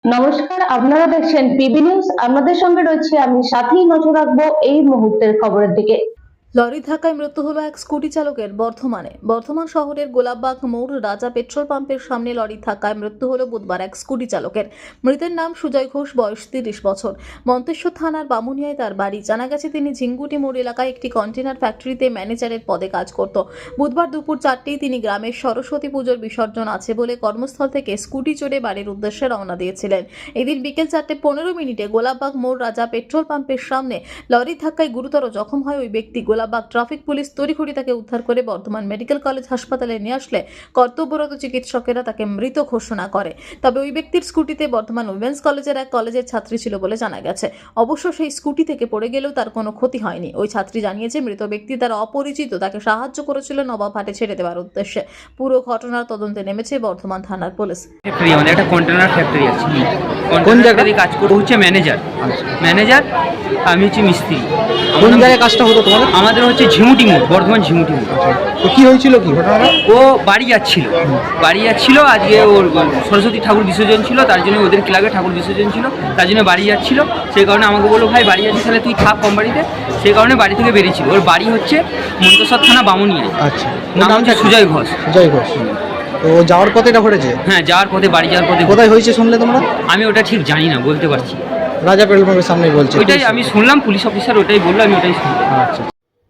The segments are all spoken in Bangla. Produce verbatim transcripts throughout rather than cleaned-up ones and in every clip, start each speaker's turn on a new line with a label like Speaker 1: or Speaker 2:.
Speaker 1: নমস্কার, আপনারা দেখছেন পিবি নিউজ। আপনাদের সঙ্গে রয়েছে আমি, সাথেই নজর রাখবো এই মুহূর্তের খবরের দিকে।
Speaker 2: লরি ধাক্কায় মৃত্যু হলো এক স্কুটি চালকের। বর্ধমানে বর্ধমান শহরের গোলাপবাগ মোড় রাজা পেট্রোল পাম্পের সামনে লরি ধাক্কায় মৃত্যু হলো বুধবার এক স্কুটি চালকের। মৃতের নাম সুজয় ঘোষ, বয়স তিরিশ বছর। মন্তেশ্বর থানার বামুনিয়ায় তার বাড়ি। জানা গেছে তিনি ঝিঙ্গুটি মোড় এলাকায় একটি কন্টেনার ফ্যাক্টরিতে ম্যানেজারের পদে কাজ করত। বুধবার দুপুর চারটেই তিনি গ্রামের সরস্বতী পুজোর বিসর্জন আছে বলে কর্মস্থল থেকে স্কুটি চড়ে বাড়ির উদ্দেশ্যে রওনা দিয়েছিলেন। এদিন বিকেল চারটে পনেরো মিনিটে গোলাপবাগ মোড় রাজা পেট্রোল পাম্পের সামনে লরির ধাক্কায় গুরুতর জখম হয় ওই ব্যক্তি। গোলাপবাগ ট্রাফিক পুলিশ তড়িঘড়ি তাকে উদ্ধার করে বর্ধমান মেডিকেল কলেজ হাসপাতালে নিয়ে আসলে কর্তব্যরত চিকিৎসকেরা তাকে মৃত ঘোষণা করে। তবে ওই ব্যক্তির স্কুটিতে বর্ধমান উইমেন্স কলেজের এক কলেজের ছাত্রী ছিল বলে জানা গেছে। অবশ্য সেই স্কুটি থেকে পড়ে গেলেও তার কোনো ক্ষতি হয়নি। ওই ছাত্রী জানিয়েছে মৃত ব্যক্তি তার অপরিচিত তাকে সাহায্য করেছিল নবাবহাটে ছেড়ে দেওয়ার উদ্দেশ্যে। পুরো ঘটনার তদন্তে নেমেছে বর্ধমান থানার পুলিশ।
Speaker 3: ফ্যাক্টরি আমাদের একটা কন্টেনার ফ্যাক্টরি আছে। কোন জায়গায় কাজ করবো হচ্ছে ম্যানেজার ম্যানেজার আমি হচ্ছে মিস্ত্রি।
Speaker 4: কোন জায়গায় কাজটা হতো তোমাদের?
Speaker 3: আমাদের হচ্ছে ঝিমুটি মোড়, বর্ধমান ঝিমুটি মোড়।
Speaker 4: তো কি হয়েছিল, কি ঘটনাটা?
Speaker 3: ও বাড়ি যাচ্ছিল বাড়ি যাচ্ছিল আজকে ওর সরস্বতী ঠাকুর বিসর্জন ছিল, তার জন্য ওদের ক্লাবে ঠাকুর বিসর্জন ছিল, তার জন্য বাড়ি যাচ্ছিল। সেই কারণে আমাকে বললো ভাই বাড়ি যাচ্ছিস, তাহলে তুই থাক কম বাড়িতে। সেই কারণে বাড়ি থেকে বেরিয়েছিল। ওর বাড়ি হচ্ছে মন্তেশ্বর থানা বামুনিয়ায়।
Speaker 4: আচ্ছা,
Speaker 3: নাম হচ্ছে সুজয় ঘোষ।
Speaker 4: সুজয় ঘোষ। তো ও যাওয়ার পথে এটা ঘটেছে?
Speaker 3: হ্যাঁ, যাওয়ার পথে, বাড়ি যাওয়ার পথে।
Speaker 4: কোথায় হয়েছে শুনলে তোমরা?
Speaker 3: আমি ওটা ঠিক জানি না, বলতে পারছি।
Speaker 4: রাজা পেট্রোল পাম্পের সামনেই বলছে।
Speaker 3: ওইটাই আমি শুনলাম, পুলিশ অফিসার ওটাই বললো, আমি ওটাই শুনলাম।
Speaker 4: আচ্ছা।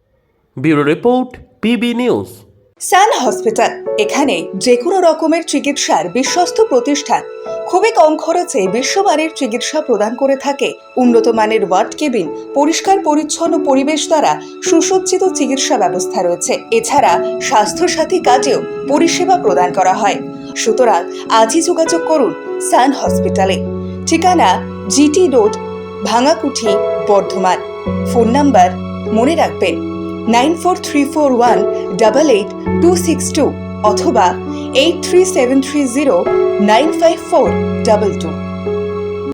Speaker 5: Bureau report, PB news.
Speaker 6: Sun Hospital, এখানে যে কোনো রকমের চিকিৎসার বিশ্বস্ত প্রতিষ্ঠান। খুবই কম খরচে বিশ্বমানের চিকিৎসা প্রদান করে থাকে। উন্নত মানের ওয়ার্ড কেবিন, পরিষ্কার পরিচ্ছন্ন পরিবেশ দ্বারা সুসজ্জিত চিকিৎসা ব্যবস্থা রয়েছে। এছাড়া স্বাস্থ্যসাথী কাজেও পরিষেবা প্রদান করা হয়। সুতরাং আজই যোগাযোগ করুন সান হসপিটালে। ঠিকানা GT road, Bhangakuthi, Bardhaman. Phone number মনে রাখবেন nine four three four one double eight two six two অথবা eight three seven three zero nine five four double two.